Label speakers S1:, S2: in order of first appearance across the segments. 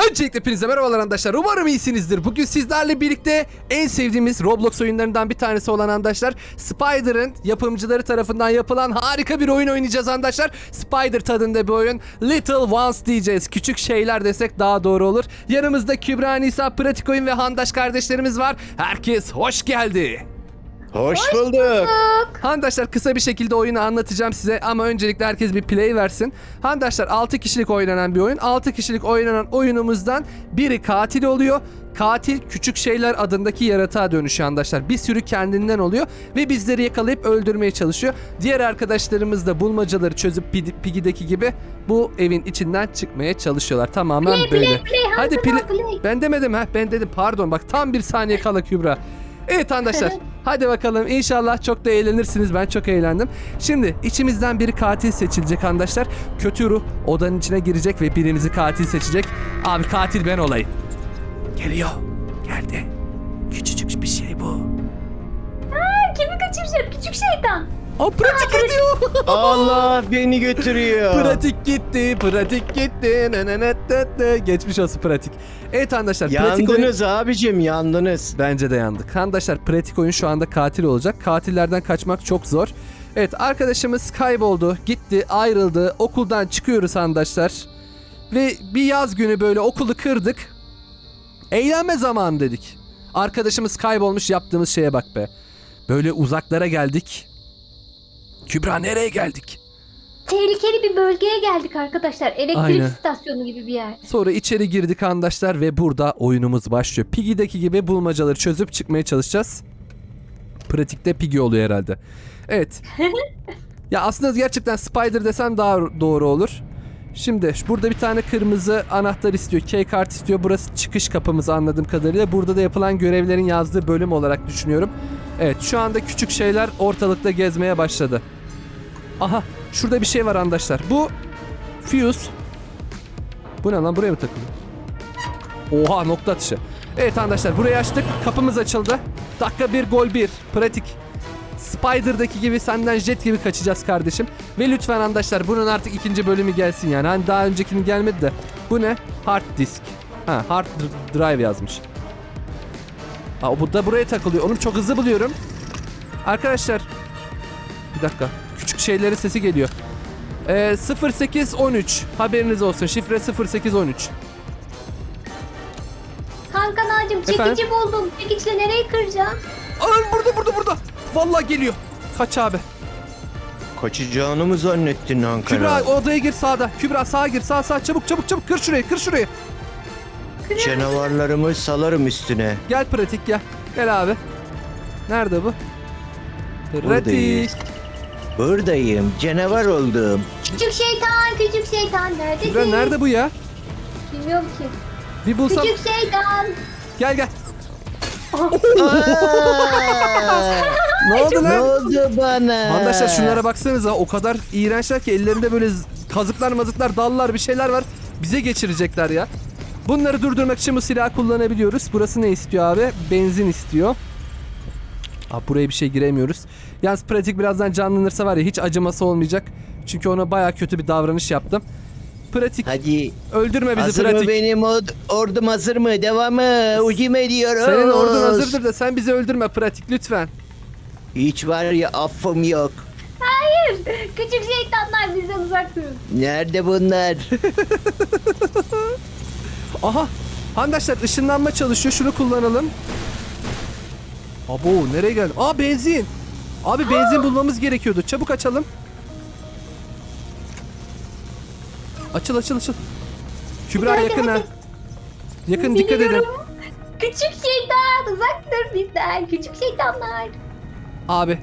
S1: Öncelikle hepinize merhabalar arkadaşlar. Umarım iyisinizdir. Bugün sizlerle birlikte en sevdiğimiz Roblox oyunlarından bir tanesi olan arkadaşlar Spider'ın yapımcıları tarafından yapılan harika bir oyun oynayacağız arkadaşlar. Spider tadında bir oyun. Little Ones diyeceğiz. Küçük şeyler desek daha doğru olur. Yanımızda Kübra, Nisa, Pratik Oyun ve Handaş kardeşlerimiz var. Herkes hoş geldi.
S2: Hoş bulduk.
S1: Handaşlar kısa bir şekilde oyunu anlatacağım size ama öncelikle herkes bir play versin. Handaşlar 6 kişilik oynanan bir oyun. 6 kişilik oynanan oyunumuzdan biri katil oluyor. Katil küçük şeyler adındaki yaratığa dönüşüyor arkadaşlar. Bir sürü kendinden oluyor ve bizleri yakalayıp öldürmeye çalışıyor. Diğer arkadaşlarımız da bulmacaları çözüp Piggy'deki gibi bu evin içinden çıkmaya çalışıyorlar. Tamamen böyle. Hadi play. Ben demedim ha. Ben dedim pardon. Bak tam bir saniye kala Kübra. Evet arkadaşlar. Hadi bakalım inşallah çok da eğlenirsiniz. Ben çok eğlendim. Şimdi içimizden biri katil seçilecek arkadaşlar. Kötü ruh odanın içine girecek ve birimizi katil seçecek. Abi katil ben olayım. Geliyor. Geldi. Küçücük bir şey bu.
S3: Kimi kaçıracak? Küçük şeytan.
S1: O pratik ediyor.
S2: Allah beni götürüyor.
S1: Pratik gitti. Pratik gitti. Geçmiş olsun pratik. Evet arkadaşlar. Pratik oyun...
S2: Yandınız abicim, yandınız.
S1: Bence de yandık. Arkadaşlar pratik oyun şu anda katil olacak. Katillerden kaçmak çok zor. Evet arkadaşımız kayboldu. Gitti, ayrıldı. Okuldan çıkıyoruz arkadaşlar. Ve bir yaz günü böyle okulu kırdık. Eğlenme zamanı dedik. Arkadaşımız kaybolmuş, yaptığımız şeye bak be. Böyle uzaklara geldik. Kübra nereye geldik?
S3: Tehlikeli bir bölgeye geldik arkadaşlar. Elektrik
S1: Aynen.
S3: istasyonu gibi bir yer.
S1: Sonra içeri girdik arkadaşlar ve burada oyunumuz başlıyor. Piggy'deki gibi bulmacaları çözüp çıkmaya çalışacağız. Pratikte Piggy oluyor herhalde. Evet. Ya aslında gerçekten Spider desem daha doğru olur. Şimdi burada bir tane kırmızı anahtar istiyor. Key kart istiyor. Burası çıkış kapımız anladığım kadarıyla. Burada da yapılan görevlerin yazdığı bölüm olarak düşünüyorum. Evet şu anda küçük şeyler ortalıkta gezmeye başladı. Aha şurada bir şey var arkadaşlar. Bu fuse. Bu ne lan, buraya mı takılıyor? Oha, nokta atışı. Evet arkadaşlar burayı açtık. Kapımız açıldı. Dakika 1 gol 1. Pratik. Spider'daki gibi senden jet gibi kaçacağız kardeşim. Ve lütfen arkadaşlar bunun artık ikinci bölümü gelsin yani. Hani daha öncekinin gelmedi de. Bu ne? Hard disk. Ha, hard drive yazmış. Aa, bu da buraya takılıyor. Onu çok hızlı buluyorum. Arkadaşlar. Bir dakika. Küçük şeylerin sesi geliyor. 0813. Haberiniz olsun. Şifre 0813.
S3: Kankanacığım çekici buldum. Çekiçle nereyi kıracağım?
S1: Aa, burada. Vallahi geliyor. Kaç abi.
S2: Kaçacağını mı zannettin Ankara?
S1: Kübra odaya gir sağda. Kübra sağa gir. Sağ çabuk. Kır şurayı.
S2: Canavarlarımı salarım üstüne.
S1: Gel pratik gel. Gel abi. Nerede bu? Pratik.
S2: Buradayız. Buradayım. Canavar oldum.
S3: Küçük şeytan neredesin?
S1: Kübra nerede bu ya?
S3: Bilmiyorum ki.
S1: Bir bulsam.
S3: Küçük şeytan.
S1: Gel.
S2: Aa!
S1: Ne oldu
S2: Ne
S1: lan?
S2: oldu bana?
S1: Arkadaşlar şunlara baksanıza, o kadar iğrençler ki ellerinde böyle kazıklar, dallar bir şeyler var. Bize geçirecekler ya. Bunları durdurmak için bu silahı kullanabiliyoruz. Burası ne istiyor abi? Benzin istiyor. Abi buraya bir şey giremiyoruz. Yalnız pratik birazdan canlanırsa var ya hiç acıması olmayacak. Çünkü ona baya kötü bir davranış yaptım. Pratik.
S2: Hadi.
S1: Öldürme bizi
S2: Hazır
S1: pratik.
S2: mı benim ordum, hazır mı? Devamı. Ucum ediyoruz.
S1: Senin ordun hazırdır da sen bizi öldürme pratik lütfen.
S2: Hiç var ya affım yok.
S3: Hayır. Küçük şeytanlar bizden uzak durun.
S2: Nerede bunlar?
S1: Aha. Arkadaşlar ışınlanma çalışıyor. Şunu kullanalım. Abo nereye geldim? Aa benzin. Abi benzin bulmamız gerekiyordu. Çabuk açalım. Açıl. Kübra
S3: Hadi,
S1: yakın ha.
S3: hadi.
S1: Yakın dikkat edin.
S3: Biliyorum. Küçük şeytan uzak dur bizden. Küçük şeytanlar.
S1: Abi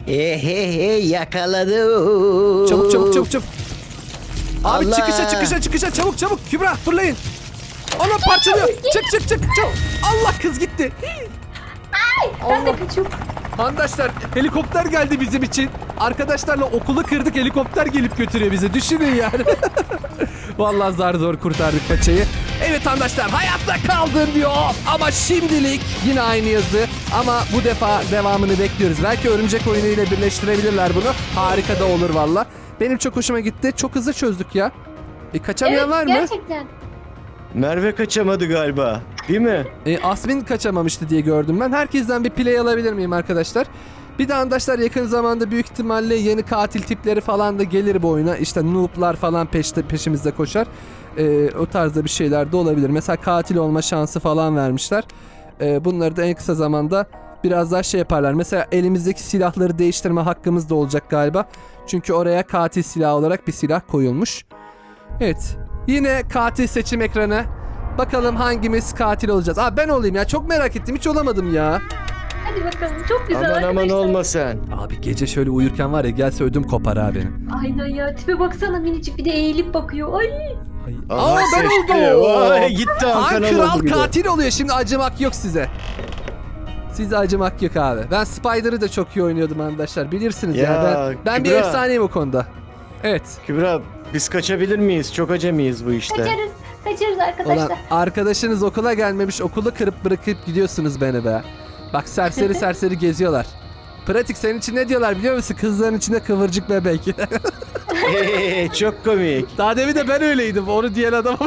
S2: Yakaladım.
S1: çabuk. Abi
S2: Allah.
S1: çıkışa çabuk. Kübra fırlayın. Ona parçalıyor. Çık. Allah kız gitti.
S3: Ben de kaçıyorum.
S1: Arkadaşlar helikopter geldi bizim için. Arkadaşlarla okulu kırdık, helikopter gelip götürüyor bizi. Düşünün yani. Vallahi zar kurtardık paçayı. Evet arkadaşlar hayatta kaldın diyor. Ama şimdilik yine aynı yazı. Ama bu defa devamını bekliyoruz. Belki örümcek oyunu ile birleştirebilirler bunu. Harika da olur valla. Benim çok hoşuma gitti. Çok hızlı çözdük ya. Kaçamayan var mı?
S3: Gerçekten.
S2: Merve kaçamadı galiba. Değil mi?
S1: Asmin kaçamamıştı diye gördüm ben. Herkesten bir play alabilir miyim arkadaşlar? Bir de arkadaşlar yakın zamanda büyük ihtimalle yeni katil tipleri falan da gelir bu oyuna. İşte noob'lar falan peşimizde koşar. O tarzda bir şeyler de olabilir. Mesela katil olma şansı falan vermişler. Bunları da en kısa zamanda biraz daha şey yaparlar. Mesela elimizdeki silahları değiştirme hakkımız da olacak galiba. Çünkü oraya katil silahı olarak bir silah koyulmuş. Evet. Yine katil seçim ekranı. Bakalım hangimiz katil olacağız. Ben olayım ya. Çok merak ettim. Hiç olamadım ya.
S3: Hadi bakalım. Çok güzel
S2: Aman
S3: arkadaşlar.
S2: aman olma sen.
S1: Abi gece şöyle uyurken var ya, gelse ödüm kopar ha benim.
S3: Aynen ya. Tipe baksana, minicik bir de eğilip bakıyor. Ay.
S2: Aha,
S1: Ben
S2: seçti.
S1: oldum.
S2: Vay, gitti
S1: Han
S2: Hakan
S1: kral
S2: oldu bir de.
S1: katil oluyor. Şimdi acımak yok size. Size acımak yok abi. Ben Spider'ı da çok iyi oynuyordum arkadaşlar. Bilirsiniz ya.
S2: Ya,
S1: Ben bir
S2: Kübra.
S1: efsaneyim o konuda. Evet.
S2: Kübra biz kaçabilir miyiz? Çok acemiyiz bu işte.
S3: Kaçarız. Kaçarız arkadaşlar.
S1: Ulan arkadaşınız okula gelmemiş, okulu kırıp bırakıp gidiyorsunuz beni be. Bak serseri serseri geziyorlar. Pratik, senin için ne diyorlar biliyor musun? Kızların içinde kıvırcık bebek.
S2: Çok komik.
S1: Daha demin de ben öyleydim. Onu diyen adam.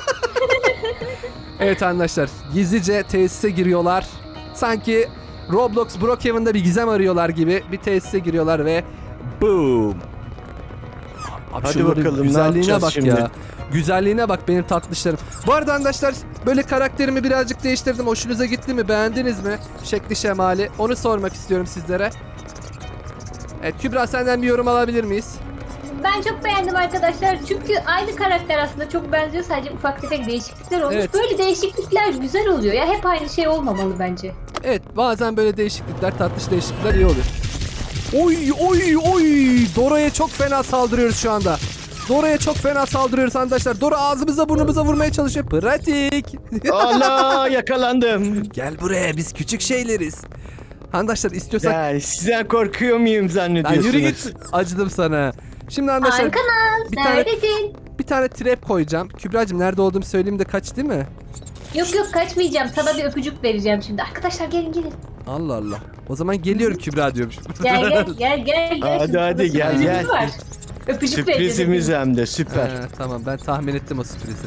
S1: Evet arkadaşlar. Gizlice tesise giriyorlar. Sanki Roblox Brookhaven'da bir gizem arıyorlar gibi bir tesise giriyorlar ve boom. Abi
S2: Hadi
S1: şunların
S2: bakalım, ne
S1: güzelliğine
S2: yapacağız
S1: bak
S2: şimdi?
S1: ya. Güzelliğine bak benim tatlışlarım. Bu arada arkadaşlar böyle karakterimi birazcık değiştirdim. Hoşunuza gitti mi? Beğendiniz mi? Şekli şemali. Onu sormak istiyorum sizlere. Evet Kübra, senden bir yorum alabilir miyiz?
S3: Ben çok beğendim arkadaşlar. Çünkü aynı karakter aslında çok benziyor. Sadece ufak tefek değişiklikler olmuş.
S1: Evet.
S3: Böyle değişiklikler güzel oluyor ya. Hep aynı şey olmamalı bence.
S1: Evet, bazen böyle değişiklikler, tatlış değişiklikler iyi oluyor. Oy oy oy! Dora'ya çok fena saldırıyoruz şu anda. Dora'ya çok fena saldırıyoruz arkadaşlar. Dora ağzımıza burnumuza vurmaya çalışıyor. Pratik.
S2: Allah, yakalandım.
S1: Gel buraya, biz küçük şeyleriz. Arkadaşlar istiyorsak...
S2: Ya sizden korkuyor muyum
S1: Lan
S2: zannediyorsunuz?
S1: yürü git. Acıdım sana. Şimdi arkadaşlar
S3: Arkanaz,
S1: bir tane-
S3: neredesin?
S1: bir tane trap koyacağım. Kübra'cığım nerede olduğumu söyleyeyim de kaç, değil mi?
S3: Yok yok, kaçmayacağım. Sana bir öpücük vereceğim şimdi. Arkadaşlar gelin gelin.
S1: Allah Allah. O zaman geliyorum Kübra diyormuşum.
S3: Gel gel gel gel. gel.
S2: Hadi,
S3: Şimdi
S2: hadi,
S3: sana
S2: gel,
S3: sürprizimiz
S2: gel.
S3: var. Öpücük
S2: Sürprizimiz
S3: vereceğim.
S2: hem de süper.
S1: Tamam, ben tahmin ettim o sürprizi.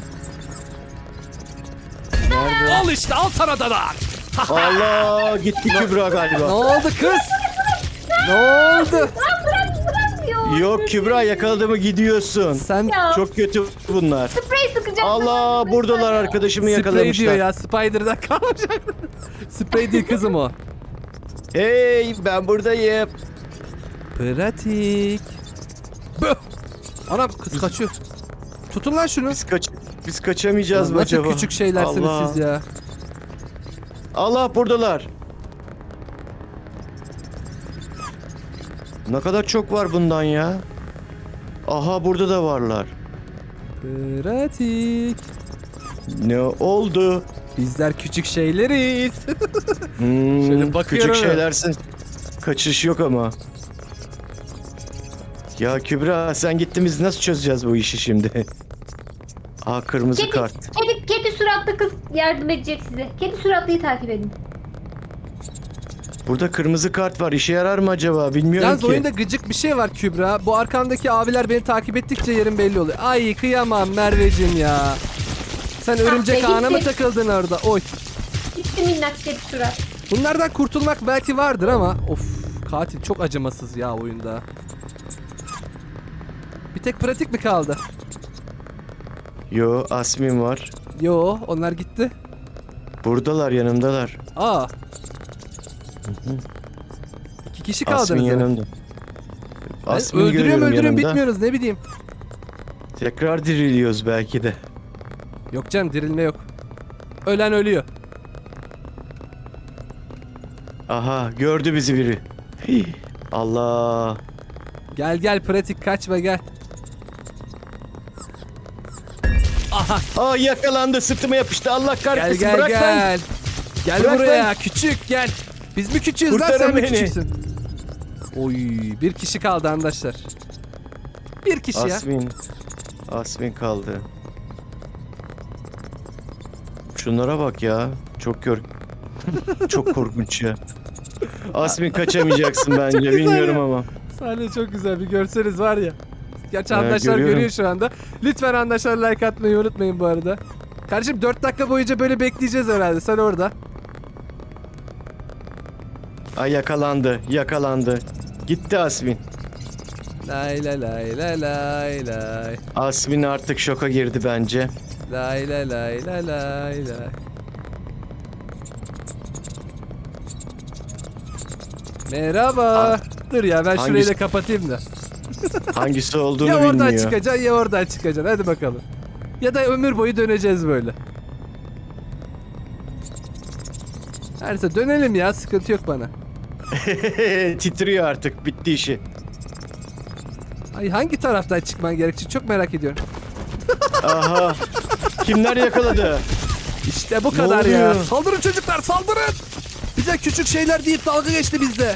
S2: Nerede?
S1: Al işte, al sana da var.
S2: Allah, gitti Kübra
S1: Ne
S2: galiba.
S1: oldu kız? Ne oldu?
S3: Bırakmıyor.
S2: Yok Kübra, yakaladığımı gidiyorsun.
S1: Sen
S3: Ya.
S2: Çok kötü bunlar.
S3: Sprey sıkacağım.
S2: Allah, buradalar, arkadaşımı
S1: sprey diyor
S2: yakalamışlar.
S1: ya, Spider'dan kalmayacak. Sprey değil kızım o.
S2: Hey, ben buradayım.
S1: Pratik. Böh. Anam, kız kaçıyor. Tutun lan şunu.
S2: Biz kaçamayacağız
S1: Ulan
S2: mı
S1: nasıl
S2: acaba?
S1: küçük şeylersiniz
S2: Allah.
S1: siz ya.
S2: Allah, buradalar. Ne kadar çok var bundan ya. Aha, burada da varlar.
S1: Pratik.
S2: Ne oldu?
S1: Bizler küçük şeyleriz. Şöyle bakıyorum.
S2: Küçük şeylersin. Kaçış yok ama. Ya Kübra, sen gittin, biz nasıl çözeceğiz bu işi şimdi? Aa, kırmızı
S3: Kedi,
S2: kart.
S3: kedi suratlı kız yardım edecek size. Kedi suratlıyı takip edin.
S2: Burada kırmızı kart var. İşe yarar mı acaba? Bilmiyorum
S1: Yalnız
S2: ki.
S1: oyunda gıcık bir şey var Kübra. Bu arkamdaki abiler beni takip ettikçe yerim belli oluyor. Ay kıyamam Merveciğim ya. Sen örümcek
S3: be,
S1: ağına mı
S3: gitti.
S1: takıldın orada? Oy.
S3: Gitti minnak kedi surat.
S1: Bunlardan kurtulmak belki vardır ama of, katil çok acımasız ya oyunda. Bir tek pratik mi kaldı?
S2: Yo, Asmin var.
S1: Yo, onlar gitti.
S2: Buradalar, yanımdalar.
S1: Aa. 2 kişi kaldınız.
S2: Asmin
S1: demek.
S2: yanımda.
S1: Ben
S2: Asmin'i
S1: öldürüyorum
S2: görüyorum yanımda.
S1: bitmiyoruz, ne bileyim.
S2: Tekrar diriliyoruz belki de.
S1: Yok canım, dirilme yok. Ölen ölüyor.
S2: Aha, gördü bizi biri. Hii, Allah.
S1: Gel gel pratik, kaçma gel. Aha,
S2: Aa, yakalandı, sırtıma yapıştı. Allah
S1: gel
S2: kahretsin,
S1: gel
S2: bırak lan.
S1: gel. Gel
S2: Bırak
S1: buraya
S2: lan.
S1: küçük gel. Biz mi küçüğüz lan,
S2: Kurtarın
S1: sen mi
S2: beni.
S1: küçüksün? Oy, bir kişi kaldı arkadaşlar. Bir kişi ya.
S2: Asmin kaldı. Şunlara bak ya. Çok korkunç ya. Asmin, kaçamayacaksın bence.
S1: güzel
S2: Bilmiyorum
S1: ya.
S2: ama.
S1: Sahne çok güzel, bir görseniz var ya. Gerçi
S2: Evet,
S1: arkadaşlar
S2: görüyorum.
S1: görüyor şu anda. Lütfen arkadaşlar like atmayı unutmayın bu arada. Kardeşim 4 dakika boyunca böyle bekleyeceğiz herhalde. Sen orada.
S2: Ay yakalandı. Gitti Asmin.
S1: Lay lay lay lay lay lay.
S2: Asmin artık şoka girdi bence.
S1: Lay lay lay lay lay lay. Merhaba. Dur ya ben şurayı da kapatayım da.
S2: Hangisi olduğunu
S1: Ya oradan
S2: bilmiyor.
S1: çıkacaksın ya oradan çıkacaksın. Hadi bakalım. Ya da ömür boyu döneceğiz böyle. Her neyse dönelim ya. Sıkıntı yok bana.
S2: Titriyor artık. Bitti işi.
S1: Ay hangi taraftan çıkman gerekecek çok merak ediyorum.
S2: Aha. Kimler yakaladı?
S1: İşte bu
S2: Ne
S1: kadar ya.
S2: oluyor?
S1: Saldırın çocuklar saldırın. Bize küçük şeyler deyip dalga geçti bizde.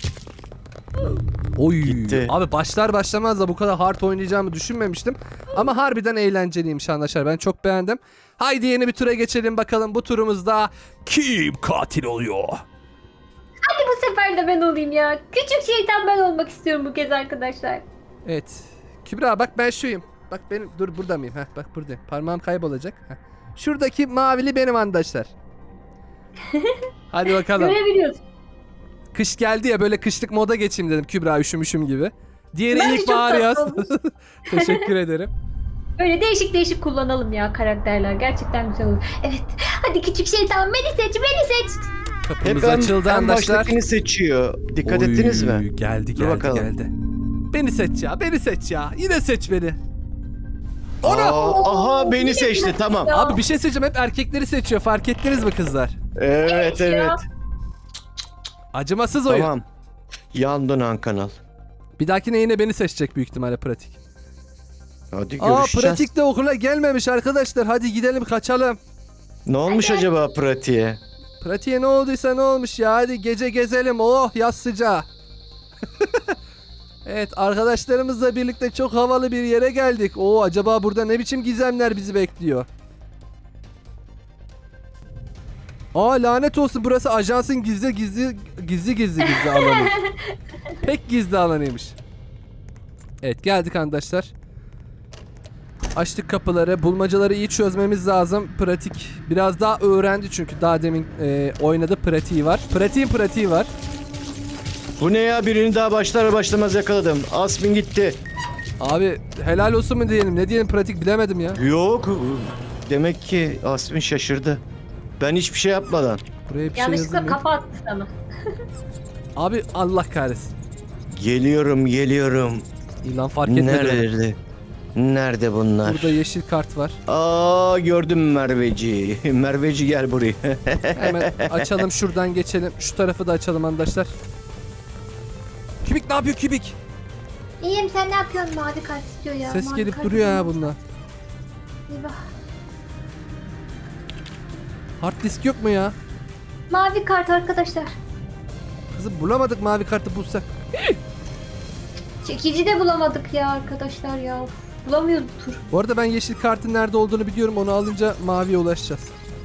S1: Oy.
S2: Gitti.
S1: Abi başlar başlamaz da bu kadar hard oynayacağımı düşünmemiştim. Ama harbiden eğlenceliymiş arkadaşlar. Ben çok beğendim. Haydi yeni bir tura geçelim bakalım. Bu turumuzda kim katil oluyor?
S3: Hadi bu sefer de ben olayım ya. Küçük şeytan ben olmak istiyorum bu kez arkadaşlar.
S1: Evet. Kübra bak ben şuyum. Bak benim dur burada mıyım? Heh, bak buradayım. Parmağım kaybolacak. Heh. Şuradaki mavili benim arkadaşlar. Hadi bakalım.
S3: Görebiliyorsun.
S1: Kış geldi ya böyle kışlık moda geçeyim dedim Kübra üşümüşüm gibi. Diğeri
S3: Bence
S1: ilk
S3: çok
S1: bahar
S3: tatlı
S1: yaz.
S3: olmuş.
S1: Teşekkür ederim.
S3: Böyle değişik değişik kullanalım ya karakterler. Gerçekten güzel olur. Evet. Hadi küçük şeytan beni seç, beni seç.
S1: Kapımız
S2: Hep
S1: açıldı
S2: en
S1: arkadaşlar.
S2: baştakini seçiyor. Dikkat
S1: Oy,
S2: ettiniz mi?
S1: Geldi
S2: Dur
S1: geldi
S2: bakalım.
S1: geldi. Beni seç ya beni seç ya. Yine seç beni.
S2: Aha beni seçti tamam.
S3: Ya.
S1: Abi bir şey söyleyeceğim hep erkekleri seçiyor fark ettiniz mi kızlar?
S2: Evet
S3: Ya.
S2: evet.
S1: Acımasız oyun.
S2: Tamam. Yandın Han Kanal.
S1: Bir dahakine yine beni seçecek büyük ihtimalle pratik.
S2: Hadi
S1: Aa
S2: görüşeceğiz.
S1: pratik de okula gelmemiş arkadaşlar. Hadi gidelim kaçalım.
S2: Ne olmuş acaba pratiğe?
S1: Pratiğe ne olduysa ne olmuş ya. Hadi gece gezelim. Oh yaz sıcağı. Evet arkadaşlarımızla birlikte çok havalı bir yere geldik. Oo acaba burada ne biçim gizemler bizi bekliyor? Aa lanet olsun burası ajansın gizli alanı. Pek gizli alanıymış. Evet geldik arkadaşlar. Açtık kapıları. Bulmacaları iyi çözmemiz lazım. Pratik biraz daha öğrendi çünkü daha demin oynadı pratiği var. Pratiği var.
S2: Bu ne ya, birini daha başlar başlamaz yakaladım. Asmin gitti.
S1: Abi helal olsun mu diyelim ne diyelim pratik bilemedim ya.
S2: Yok. Demek ki Asmin şaşırdı. Ben hiçbir şey yapmadan.
S1: Buraya bir şey
S3: Yanlışlıkla
S1: yazılmıyor.
S3: kafa attı sana.
S1: Abi Allah kahretsin.
S2: Geliyorum.
S1: İlan fark etmedi.
S2: Nerede? Nerede bunlar?
S1: Burada yeşil kart var.
S2: Aa, gördüm Merveci. Merveci gel buraya.
S1: Hemen açalım şuradan geçelim. Şu tarafı da açalım arkadaşlar. Kübik ne yapıyor Kübik?
S3: İyiyim, sen ne yapıyorsun? Mavi kart istiyor ya.
S1: Ses
S3: Mavi
S1: gelip
S3: kart
S1: duruyor ha
S3: istiyor.
S1: bundan.
S3: Eyvah.
S1: Hard disk yok mu ya?
S3: Mavi kart arkadaşlar.
S1: Kızım bulamadık mavi kartı bulsak.
S3: Çekici de bulamadık ya arkadaşlar ya. Of, bulamıyoruz bu tur.
S1: Bu arada ben yeşil kartın nerede olduğunu biliyorum. Onu alınca maviye ulaşacağız.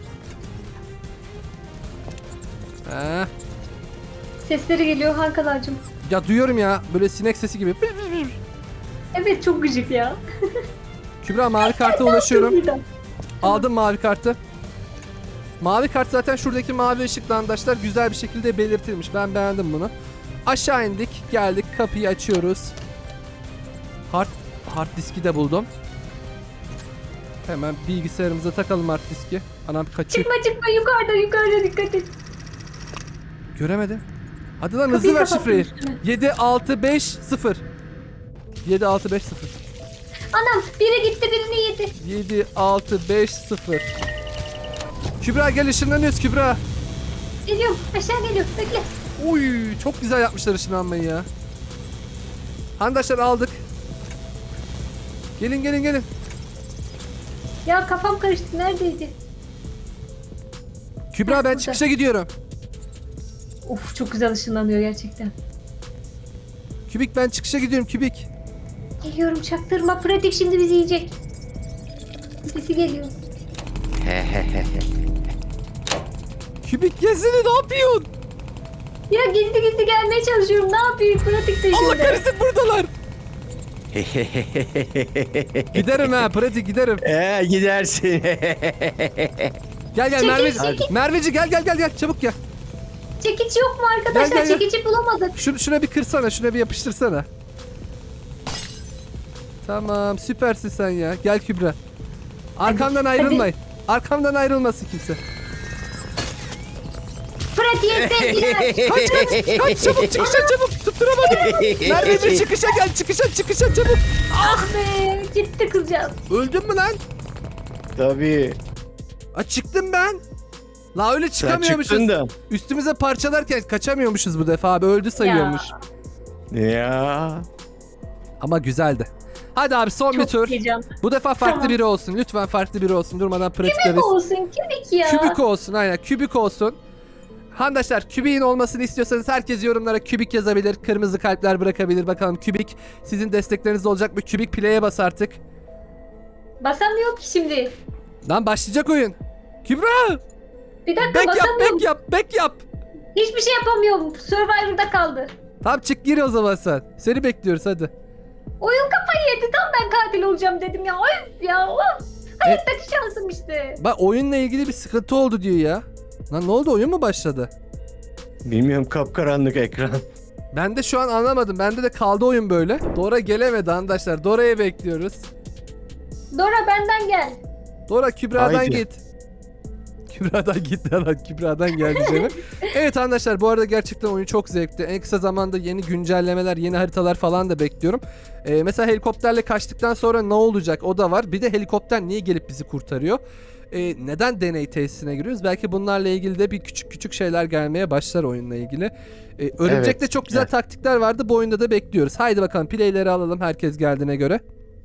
S1: Ha.
S3: Sesleri geliyor Hankalarcığım.
S1: Ya duyuyorum ya böyle sinek sesi gibi.
S3: Evet, çok gıcık ya.
S1: Kübra mavi karta ulaşıyorum.
S3: Birden.
S1: Aldım mavi kartı. Mavi kart zaten şuradaki mavi ışıkla arkadaşlar güzel bir şekilde belirtilmiş. Ben beğendim bunu. Aşağı indik. Geldik. Kapıyı açıyoruz. Hard diski de buldum. Hemen bilgisayarımıza takalım hard diski. Anam kaçıyor.
S3: Çıkma yukarıda dikkat et.
S1: Göremedim. Hadi lan
S3: Kapıyı
S1: hızlı ver
S3: kapattım
S1: şifreyi.
S3: üstüne.
S1: 7650. 7650.
S3: Anam, biri gitti birini yedi.
S1: 7650. Kübra gel ışınlanıyoruz Kübra.
S3: Geliyorum, aşağı geliyor, bekle.
S1: Uy çok güzel yapmışlar ışınlanmayı ya. Arkadaşlar aldık. Gelin.
S3: Ya kafam karıştı, neredeydi?
S1: Kübra ben
S3: Burada.
S1: çıkışa gidiyorum.
S3: Of, çok güzel ışınlanıyor gerçekten.
S1: Kübik ben çıkışa gidiyorum Kübik.
S3: Geliyorum, çaktırma, pratik şimdi bizi yiyecek. Sesi geliyor.
S1: Kübik gezini ne yapıyorsun?
S3: Ya gizli gelmeye çalışıyorum, ne yapayım? Pratik de
S1: Allah
S3: şimdi.
S1: kahretsin buradalar. Giderim ha pratik giderim.
S2: Gidersin.
S1: Gel
S3: Çekil,
S1: Merveci.
S3: çekil.
S1: Merveci gel çabuk gel.
S3: Çekiç yok mu arkadaşlar?
S1: Gel.
S3: Çekici bulamadık.
S1: Şuna bir kırsana, şuna bir yapıştırsana. Tamam, süpersin sen ya. Gel Kübra. Arkamdan ayrılmayın. Arkamdan ayrılmasın kimse.
S3: Pratiğe sevgiler.
S1: Kaç çabuk çabuk. Tutturamadım. Merveci çıkışa gel, çıkışa çabuk.
S3: Ah be, gitti kızcağız.
S1: Öldün mü lan?
S2: Tabii.
S1: Çıktım ben. La öyle
S2: Sen
S1: çıkamıyormuşuz.
S2: çıktın da.
S1: Üstümüze parçalarken kaçamıyormuşuz bu defa abi. Öldü sayıyormuş.
S2: Ya.
S1: Ama güzeldi. Hadi abi son bir
S3: Çok
S1: tur.
S3: heyecanlı.
S1: Bu defa farklı
S3: Tamam.
S1: biri olsun. Lütfen farklı biri olsun. Durmadan pratikleriz.
S3: Kübik olsun, kübik ya.
S1: Kübik olsun aynen. Kübik olsun. Handaşlar kübiğin olmasını istiyorsanız herkes yorumlara kübik yazabilir. Kırmızı kalpler bırakabilir. Bakalım kübik sizin destekleriniz olacak mı? Kübik play'e bas artık.
S3: Basamıyor ki şimdi.
S1: Lan başlayacak oyun. Kübra!
S3: Bir dakika
S1: Back yap,
S3: basamıyorum.
S1: back yap.
S3: Hiçbir şey yapamıyorum. Survivor'da kaldı.
S1: Tamam çık gir o zaman sen. Seni bekliyoruz hadi.
S3: Oyun kafayı yedi. Tam ben katil olacağım dedim ya. Of ya of. Hayattaki şansım işte.
S1: Bak oyunla ilgili bir sıkıntı oldu diyor ya. Lan ne oldu, oyun mu başladı?
S2: Bilmiyorum, kapkaranlık ekran.
S1: Ben de şu an anlamadım. Bende de kaldı oyun böyle. Dora gelemedi arkadaşlar. Dora'yı bekliyoruz.
S3: Dora benden gel.
S1: Dora Kübra'dan
S2: Haydi.
S1: git. Kübra'dan git lan. Kübra'dan gel diyeceğim. Evet arkadaşlar, bu arada gerçekten oyun çok zevkli. En kısa zamanda yeni güncellemeler, yeni haritalar falan da bekliyorum. Mesela helikopterle kaçtıktan sonra ne olacak, o da var. Bir de helikopter niye gelip bizi kurtarıyor? Neden deney tesisine giriyoruz? Belki bunlarla ilgili de bir küçük şeyler gelmeye başlar oyunla ilgili. Örümcek'te
S2: Evet,
S1: çok güzel
S2: evet.
S1: taktikler vardı. Bu oyunda da bekliyoruz. Haydi bakalım playleri alalım herkes geldiğine göre.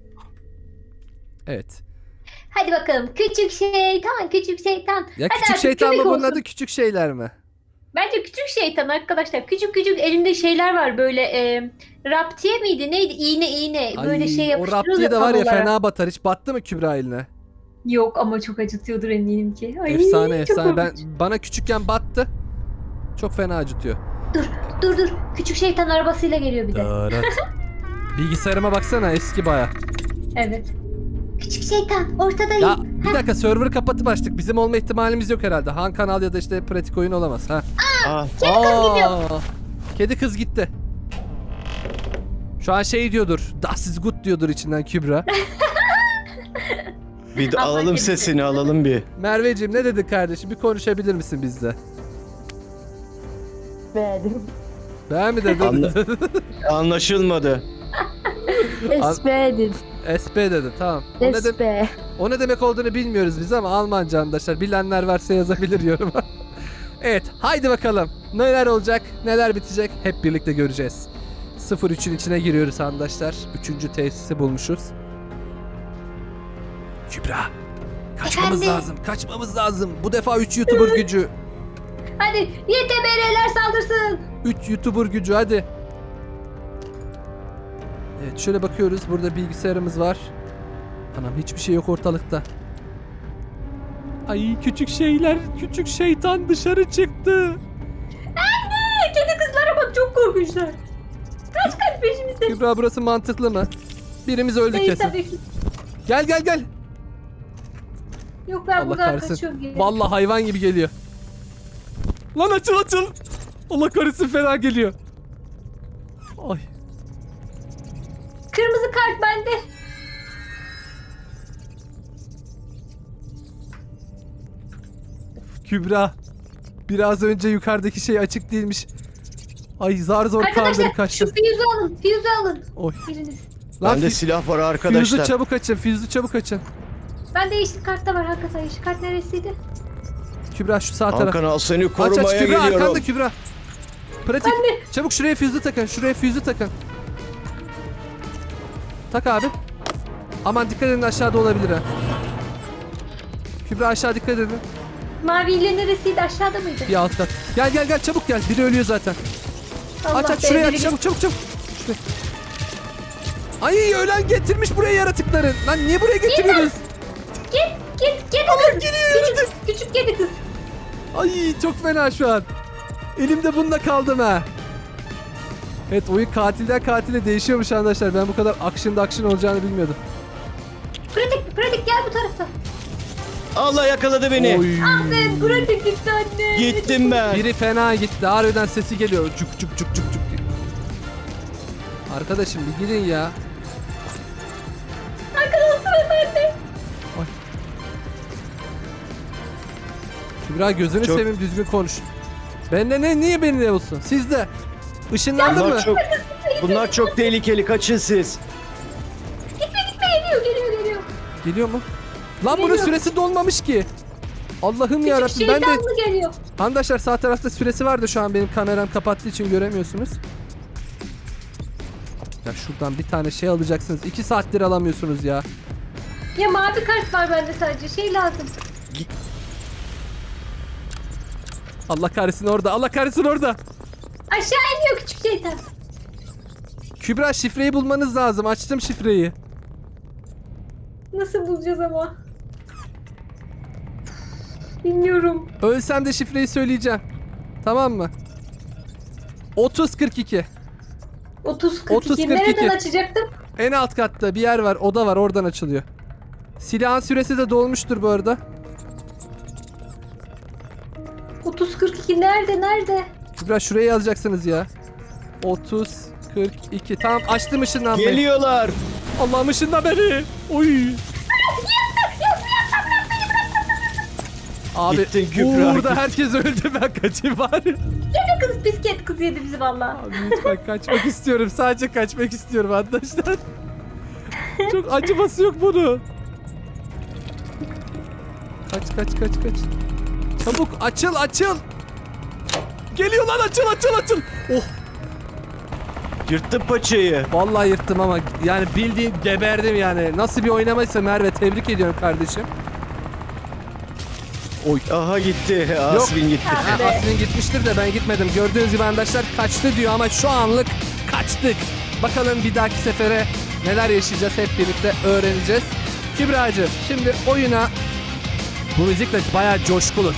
S1: Evet.
S3: Hadi bakalım. Küçük şeytan, küçük şeytan.
S1: Ya
S3: Hadi
S1: küçük
S3: artık
S1: şeytan mı
S3: kübik
S1: bunun
S3: olsun.
S1: adı, küçük şeyler mi?
S3: Bence küçük şeytan arkadaşlar. Küçük küçük elinde şeyler var böyle. Raptiye miydi? Neydi? İğne. Böyle şey
S1: o
S3: yapıştırıyorlar
S1: raptiye de var ya,
S3: kablolara.
S1: fena batar. Hiç battı mı Kübra eline?
S3: Yok ama çok acıtıyordur eminim ki. Ay,
S1: Efsane
S3: çok
S1: efsane.
S3: korkunç.
S1: Bana küçükken battı. Çok fena acıtıyor.
S3: Dur. Küçük şeytan arabasıyla geliyor bir de.
S1: Darat. Bilgisayarıma baksana, eski baya.
S3: Evet. Küçük şeytan ortadayım.
S1: Ya bir dakika, server'ı kapatıp açtık. Bizim olma ihtimalimiz yok herhalde. Han kanal ya da işte pratik oyun olamaz. Ha.
S2: Aa,
S3: Kedi kız gidiyor.
S1: Kedi kız gitti. Şu an şey diyordur. Das ist gut diyordur içinden Kübra.
S2: bir de
S3: Allah
S2: alalım
S3: kedisi.
S2: sesini, alalım bir.
S1: Merveciğim ne dedin kardeşim? Bir konuşabilir misin bizle?
S4: Beğendim.
S1: Ben mi dedim?
S2: Anlaşılmadı.
S4: Espe'din.
S1: SP dedi, tamam.
S4: Espe.
S1: O ne demek olduğunu bilmiyoruz biz ama Almanca arkadaşlar. Bilenler varsa yazabilir yoruma. Evet, haydi bakalım. Neler olacak, neler bitecek hep birlikte göreceğiz. 03'ün içine giriyoruz arkadaşlar. 3. tesisi bulmuşuz. Kübra, kaçmamız
S3: Efendim?
S1: lazım. Kaçmamız lazım. Bu defa 3 YouTuber gücü.
S3: Hadi YTBR'ler saldırsın.
S1: 3 YouTuber gücü hadi. Evet, şöyle bakıyoruz. Burada bilgisayarımız var. Anam hiçbir şey yok ortalıkta. Ay küçük şeyler, küçük şeytan dışarı çıktı.
S3: Kedi kızlara bak, çok korkunçlar. Kaç peşimizde.
S1: Kübra, burası mantıklı mı? Birimiz öldü
S3: Değil
S1: kesin.
S3: tabii ki.
S1: Gel.
S3: Yok ben
S1: Allah
S3: buradan
S1: kahretsin.
S3: kaçıyorum. geri.
S1: Vallahi hayvan gibi geliyor. Lan açıl. Allah kahretsin, fena geliyor. Ay.
S3: Kırmızı kart bende.
S1: Kübra. Biraz önce yukarıdaki şey açık değilmiş. Ay zar zor kaldırıp
S3: Arkadaşlar şu
S1: kaçtım.
S3: füyüzü alın. Füyüzü alın.
S1: Oy.
S3: Biriniz.
S1: Lan
S2: Bende silah var arkadaşlar.
S1: füyüzü çabuk açın.
S3: Bende yeşil kart da var hakikaten. Yeşil kart neresiydi?
S1: Kübra şu sağ taraf.
S2: Hakan al, seni
S1: Aç
S2: korumaya
S1: Kübra,
S2: geliyorum.
S1: arkanda Kübra. Pratik. Çabuk şuraya füyüzü takın. Tak abi. Aman dikkat edin, aşağıda olabilir ha. Kübra aşağı dikkat edin.
S3: Mavi ile neresiydi? Aşağıda mıydı?
S1: Bir alt kat. Gel çabuk gel. Biri ölüyor zaten.
S3: Allah
S1: Aç
S3: be,
S1: şuraya
S3: biri
S1: aç çabuk. Şuraya. Ay ölen getirmiş buraya yaratıkları. Lan niye buraya getiriyoruz?
S3: Git kedi kız. Küçük kedi kız.
S1: Ay çok fena şu an. Elimde bununla kaldım ha. Evet, oyun katilden katile değişiyormuş arkadaşlar. Ben bu kadar action olacağını bilmiyordum.
S3: Pratik gel bu tarafa.
S2: Allah yakaladı beni.
S1: Oy.
S3: Ben pratik gitti anne.
S2: Gittim ben.
S1: Biri fena gitti. Harbiden sesi geliyor. Cuk cuk cuk cuk cuk. Arkadaşım bir gidin ya.
S3: Arkadaşlar efendim.
S1: Kübra gözünü
S2: Çok-
S1: seveyim, düzgün konuş. Bende ne? Niye beni ne olsun? Sizde. Işınlandı mı?
S2: Bunlar çok tehlikeli. Kaçın siz.
S3: Geliyor.
S1: Geliyor mu? Lan bunun
S3: Geliyor.
S1: süresi dolmamış ki. Allah'ım
S3: Küçük
S1: yarabbim, ben de...
S3: şeytan mı geliyor?
S1: Arkadaşlar sağ tarafta süresi vardı, şu an benim kameram kapattığı için göremiyorsunuz. Ya şuradan bir tane şey alacaksınız. 2 saattir alamıyorsunuz ya.
S3: Ya mavi kart var bende sadece. Şey lazım.
S1: Allah kahretsin orada. Allah kahretsin orada.
S3: Aşağı iniyor küçük şeytan.
S1: Kübra, şifreyi bulmanız lazım. Açtım şifreyi.
S3: Nasıl bulacağız ama? Bilmiyorum.
S1: Ölsem de şifreyi söyleyeceğim. Tamam mı? 30-42.
S3: 30-42.
S1: 30-42.
S3: Nereden açacaktım?
S1: En alt katta bir yer var. Oda var. Oradan açılıyor. Silahın süresi de dolmuştur bu arada.
S3: 30-42 nerede?
S1: Kübra, şuraya yazacaksınız ya. 30-42. Tamam, açtım ışınlanmayı.
S2: Geliyorlar.
S1: Allah'ım ışınla beni. Oy. Abi
S2: Gittin Kübra,
S1: burada
S2: git.
S1: herkes öldü, ben kaçayım bari.
S3: Kız bisket kız yedi bizi valla.
S1: Abi lütfen kaçmak istiyorum. Sadece kaçmak istiyorum arkadaşlar. Çok acıması yok bunu. Kaç. Çabuk açıl. Geliyor lan, açıl. Oh,
S2: Yırttım paçayı.
S1: vallahi yırttım ama yani bildiğin geberdim yani. Nasıl bir oynamaysa Merve, tebrik ediyorum kardeşim. Oy.
S2: Aha gitti. Asmin gitti.
S3: Ah be.
S1: Aslında gitmiştir de ben gitmedim. Gördüğünüz gibi arkadaşlar kaçtı diyor ama şu anlık kaçtık. Bakalım bir dahaki sefere neler yaşayacağız, hep birlikte öğreneceğiz. Kübra'cığım, şimdi oyuna, bu müzik de bayağı coşkulu.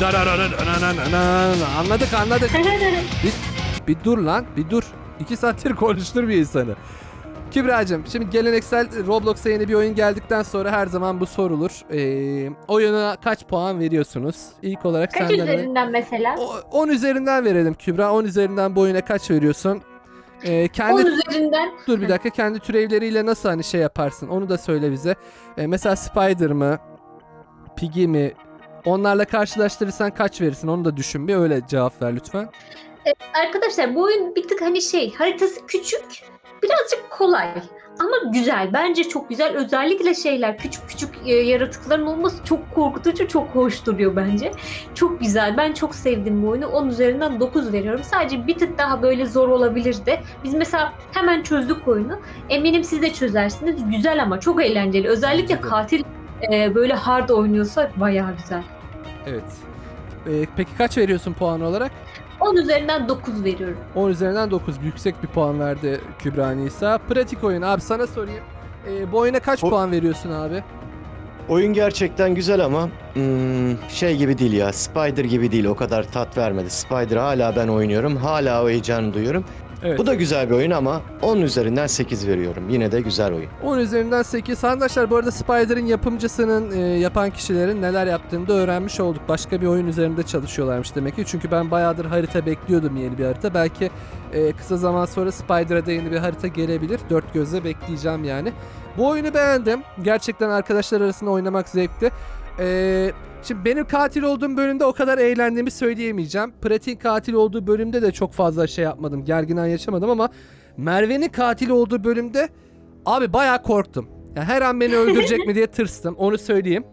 S1: Anladık. Bir dur lan, bir dur. 2 saattir konuştur bir insanı. Kübra'cığım, şimdi geleneksel Roblox'a yeni bir oyun geldikten sonra her zaman bu sorulur. Oyuna kaç puan veriyorsunuz? İlk olarak
S3: Kaç
S1: senden
S3: üzerinden mesela?
S1: 10 üzerinden verelim Kübra. 10 üzerinden bu oyuna kaç veriyorsun?
S3: 10
S1: Kendi
S3: üzerinden.
S1: dur bir dakika, kendi türevleriyle nasıl hani şey yaparsın? Onu da söyle bize. Mesela Spider mı? Piggy mi? Onlarla karşılaştırırsan kaç verirsin? Onu da düşün, bir öyle cevap ver lütfen.
S3: Arkadaşlar bu oyun bir tık hani haritası küçük, birazcık kolay ama güzel. Bence çok güzel. Özellikle küçük yaratıkların olması çok korkutucu, çok hoş duruyor bence. Çok güzel. Ben çok sevdim bu oyunu. 10 üzerinden 9 veriyorum. Sadece bir tık daha böyle zor olabilirdi. Biz mesela hemen çözdük oyunu. Eminim siz de çözersiniz. Güzel ama çok eğlenceli. Özellikle
S1: Bence de.
S3: katil böyle hard oynuyorsa bayağı güzel.
S1: Evet. Peki kaç veriyorsun puan olarak?
S3: 10 üzerinden 9 veriyorum.
S1: 10 üzerinden 9. Yüksek bir puan verdi Kübra Nisa. Pratik oyun. Abi sana sorayım. Bu oyuna kaç puan veriyorsun abi?
S2: Oyun gerçekten güzel ama şey gibi değil ya. Spider gibi değil. O kadar tat vermedi. Spider hala ben oynuyorum. Hala o heyecanı duyuyorum.
S1: Evet.
S2: Bu da güzel bir oyun ama 10 üzerinden 8 veriyorum. Yine de güzel oyun.
S1: 10 üzerinden 8. Arkadaşlar bu arada Spider'ın yapımcısının, yapan kişilerin neler yaptığını da öğrenmiş olduk. Başka bir oyun üzerinde çalışıyorlarmış demek ki. Çünkü ben bayağıdır harita bekliyordum, yeni bir harita. Belki kısa zaman sonra Spider'a da yeni bir harita gelebilir. Dört gözle bekleyeceğim yani. Bu oyunu beğendim. Gerçekten arkadaşlar arasında oynamak zevkli. Şimdi benim katil olduğum bölümde o kadar eğlendiğimi söyleyemeyeceğim. Pratik'in katil olduğu bölümde de çok fazla şey yapmadım. Gergin an yaşamadım ama Merve'nin katil olduğu bölümde abi bayağı korktum. Yani her an beni öldürecek mi diye tırstım. Onu söyleyeyim.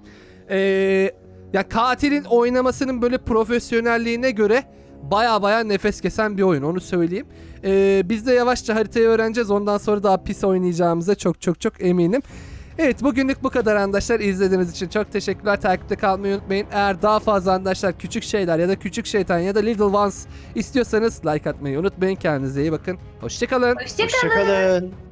S1: Ya katilin oynamasının böyle profesyonelliğine göre bayağı nefes kesen bir oyun. Onu söyleyeyim. Biz de yavaşça haritayı öğreneceğiz. Ondan sonra daha pis oynayacağımıza çok eminim. Evet, bugünlük bu kadar arkadaşlar. İzlediğiniz için çok teşekkürler. Takipte kalmayı unutmayın. Eğer daha fazla arkadaşlar küçük şeyler ya da küçük şeytan ya da Little Ones istiyorsanız like atmayı unutmayın. Kendinize iyi bakın. Hoşçakalın.
S3: Hoşçakalın.
S2: Hoşçakalın.